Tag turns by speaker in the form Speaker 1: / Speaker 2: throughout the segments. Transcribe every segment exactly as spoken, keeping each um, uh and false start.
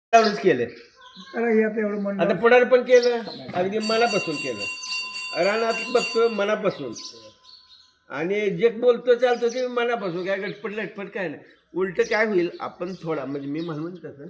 Speaker 1: लावूनच केलं.
Speaker 2: त्याला हे आता एवढं म्हणणं
Speaker 1: आता पुढारी पण केलं, अगदी मनापासून केलं. रानात बघतो मनापासून, आणि जे बोलतो चालतो ते मनापासून. काय गटपट लटपट काय नाही. उलट काय होईल, आपण थोडा म्हणजे मी म्हणून तसं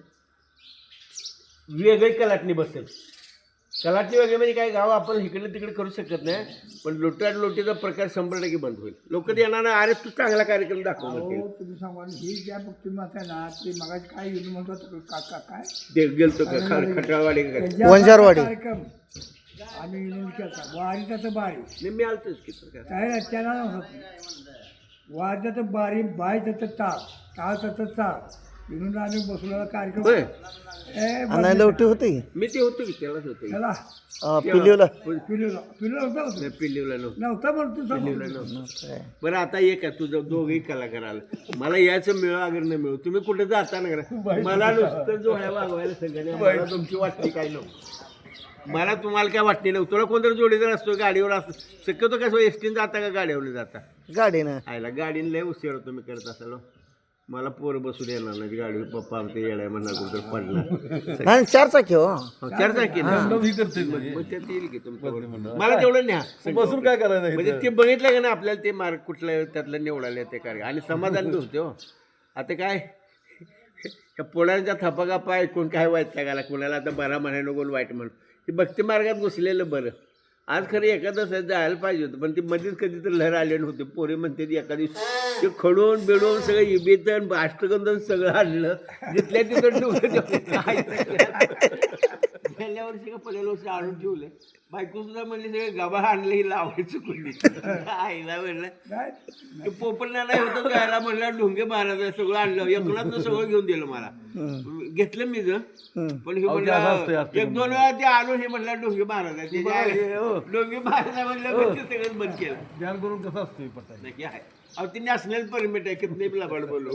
Speaker 1: वेगळी कलाटणी बसेल. कलाटणी वगैरे म्हणजे काय, गाव आपण इकडे तिकडे करू शकत नाही, पण लोटाट लोटीचा प्रकार शंभर टक्के बंद होईल. लोक येणार ना, अरे तू चांगला कार्यक्रम दाखव म्हणतील.
Speaker 2: हो तुम्ही सांगा ही ज्या तुम्ही आता ना ते मगाची काय येऊन म्हणतो काका काय
Speaker 1: ते गेलतो का खा- खटाळवाडी का काय?
Speaker 2: त्यांच्या
Speaker 3: वंजारवाडी.
Speaker 2: कार्यक्रम आम्ही येऊन केला वारीचा तर बारी
Speaker 1: नाही, मी आलतोच की तर काय.
Speaker 2: काय नाही, त्याला नव्हतं वारीचा तर बारी बायचं तर ताक ताळचं तर चाक येऊन आम्ही बसलेला कार्यक्रम
Speaker 1: होय.
Speaker 2: ए,
Speaker 3: आणि लवटी होती
Speaker 1: मी ते होतो की त्यालाच होतो की.
Speaker 2: त्याला
Speaker 3: पिलीवला
Speaker 2: पिलूला पिलू नव्हता होतं.
Speaker 1: नाही, पिल्लीवला नव्हतं.
Speaker 2: नव्हता म्हणतो
Speaker 1: पिल्लीवला
Speaker 2: समोर.
Speaker 1: नव्हतं. बरं आता एक आहे, तुझं दोघंही कलाकार आलं. मला याचं मिळो अगर नाही मिळो, तुम्ही कुठे जाता ना करा, मला नुसतं जोड्या वागवायला सगळ्या. मला तुमची वाटणी काय नव्हतं. मला तुम्हाला काय वाटणी नव्हतं. तुला कोणतरी जोडीदार असतो, गाडीवर असतो. शक्यतो कसं एसटीन जाता का गाडीवर जाता?
Speaker 3: गाडीनं
Speaker 1: आयला गाडीने लय उशीर तुम्ही करत असाल. मला पोर बसून येणार नाही गाडीवर. पप्पा आमचे येणार म्हणणार कुठं पडणार.
Speaker 3: आणि चार चाकी हो
Speaker 1: चार चाकी ना. मग त्यात येईल की तुमचं. मला तेवढं न्या बसून काय करायचं. म्हणजे ते बघितलं का ना आपल्याला, ते मार्क कुठलं त्यातलं निवडायला ते कार्य, आणि समाधान होते हो. आता काय त्या पोळ्यांच्या थपाकापा ऐकून काय वाईट लागायला कोणाला. आता बरा म्हणाय नको वाईट म्हणून, ते भक्ती मार्गात घुसलेलं बरं. आज खरं एखादं जायला पाहिजे होतं, पण ती मध्येच कधी तर लहर आले नव्हते. पोरे म्हणते ती एका दिवशी ते खडून बिडून सगळं इबेतन अष्टगंधन सगळं आणलं, जिथल्या तिथं गेल्या वर्षी का पहिल्या वर्षी आणून ठेवले. बायको सुद्धा म्हणली सगळे गबा आणले, ही लावायचं कुणी आईला म्हणलं. ते पोपट नाही होतं गायला म्हणलं, ढोंगे महाराज सगळं आणलं, एकूणात सगळं घेऊन दिलं मला. घेतलं मी ज पण हे म्हणलं एक दोन वेळा ते आलो, हे म्हणलं ढोंगे महाराज आहे. ढोंगे महाराज म्हणलं ते सगळंच बंद केलं. ध्यान करून कसं असतं नक्की आहे. अहो ती नॅशनल परमिट आहे, कितने लबाड बोलो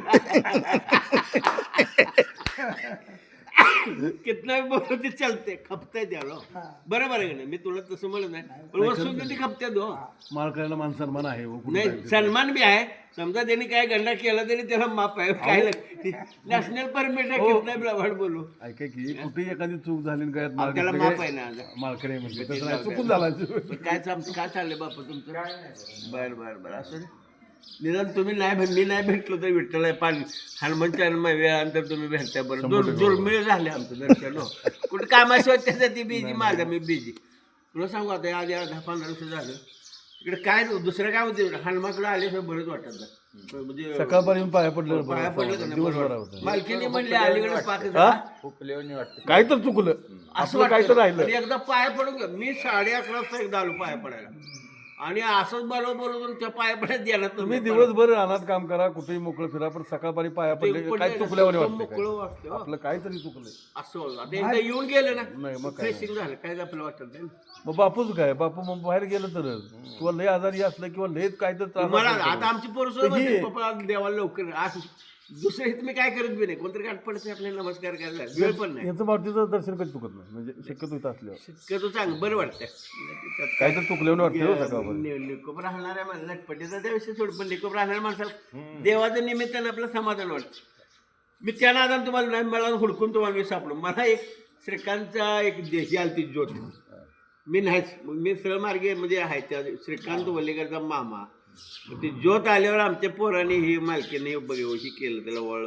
Speaker 1: कितना बोलो ते चालते, खपताय द्यालो. बरोबर आहे का नाही? मी तुला तसं म्हणत नाही, पण वस्तू किती खपत्यात हो.
Speaker 4: मालकाला मान सन्मान आहे.
Speaker 1: नाही, सन्मान बी आहे. समजा त्यांनी काय गंडा केला तरी त्याला माफ आहे. काय नॅशनल परमिट आहे, कितना लबाड बोलू.
Speaker 4: ऐका की कुठेही एखादी चूक झाली काय
Speaker 1: अहो, त्याला माफ आहे ना.
Speaker 4: मालकडे म्हणजे तसं नाही, चुकून झाला.
Speaker 1: पण काय चाल- काय चाललंय बापा तुमचं? बर बर बर असं निदान तुम्ही नाही भेट मी नाही भेटलो तर विठ्ठल आहे पाणी हनुमानच्या वेळानंतर तुम्ही भेटताय. बरं दोन दुर्मिळ झाले आमचं दर्शन हो. कुठं कामाशिवाय त्यासाठी बिझी, माझा मी बिझी. तुला सांगू आता आधी दहा पंधरा वर्ष झालं इकडे काय दुसरं काय होते, हनुमानकडे आले तर बरंच वाटत नाही. म्हणजे
Speaker 4: सकाळपर्यंत पाया पडलं
Speaker 1: पाया पडलं का नाही बरं वाटतं. मालकीने म्हणले अलीकडे पाक
Speaker 4: काय तर चुकलं
Speaker 1: असं
Speaker 4: काय तर राहिलं.
Speaker 1: आणि एकदा पाया पडून घ्या. मी साडे अकरा वाजता एकदा आलो पाया पडायला, आणि असंच बरोबर बोलवून त्या पाया पडत द्यायला
Speaker 4: तुम्ही दिवसभर रानात काम करा, कुठेही मोकळं फिरा, पण सकाळपारी पाया पडले काय चुकल्यावर
Speaker 1: मोकळं
Speaker 4: वाटतं.
Speaker 1: वाटतं हो.
Speaker 4: आपलं काहीतरी चुकलंय
Speaker 1: असं होतं. आता एकदा येऊन गेलं ना,
Speaker 4: नाही मग काय.
Speaker 1: फ्रेशिंग झालं काय आपलं वाटत नाही.
Speaker 4: मग बापूच काय, बापू मग बाहेर गेलं तर किंवा लय आजारी असलं किंवा लय काय तर त्रास
Speaker 1: मला
Speaker 4: असला तर.
Speaker 1: आता आमची पोरं म्हणते, पप्पा देवाला लवकर आज दुसरं तुम्ही काय करत बी नाही. कोणतरी गाठ पडते आपल्याला नमस्कार करायला वेळ पण नाही.
Speaker 4: यांचं मारुतीचं दर्शन कधी चुकत नाही, म्हणजे शक्यतो इथं असल्यावर
Speaker 1: शक्यतो चांगलं बरं वाटतं.
Speaker 4: काय तर चुकल्यावर वाटतं सकाळपर्यंत.
Speaker 1: निकोप राहणाऱ्या माणसाला लटपटीचा त्याविषयी सोड, पण निकोप राहणाऱ्या माणसाला देवाच्या निमित्तानं आपलं समाधान वाटतं. मी त्या नादान तुम्हाला नाही, मला हुडकून तुम्हाला मी सापडलो. मला एक श्रीकांतचा एक देशी आलती ज्योत, मी नाहीच, मग मी सरळ मार्गे म्हणजे आहे त्या श्रीकांत वल्लेकरचा मामा. ते ज्योत आल्यावर आमच्या पोराने ही मालकीने बघ केलं, त्याला वळ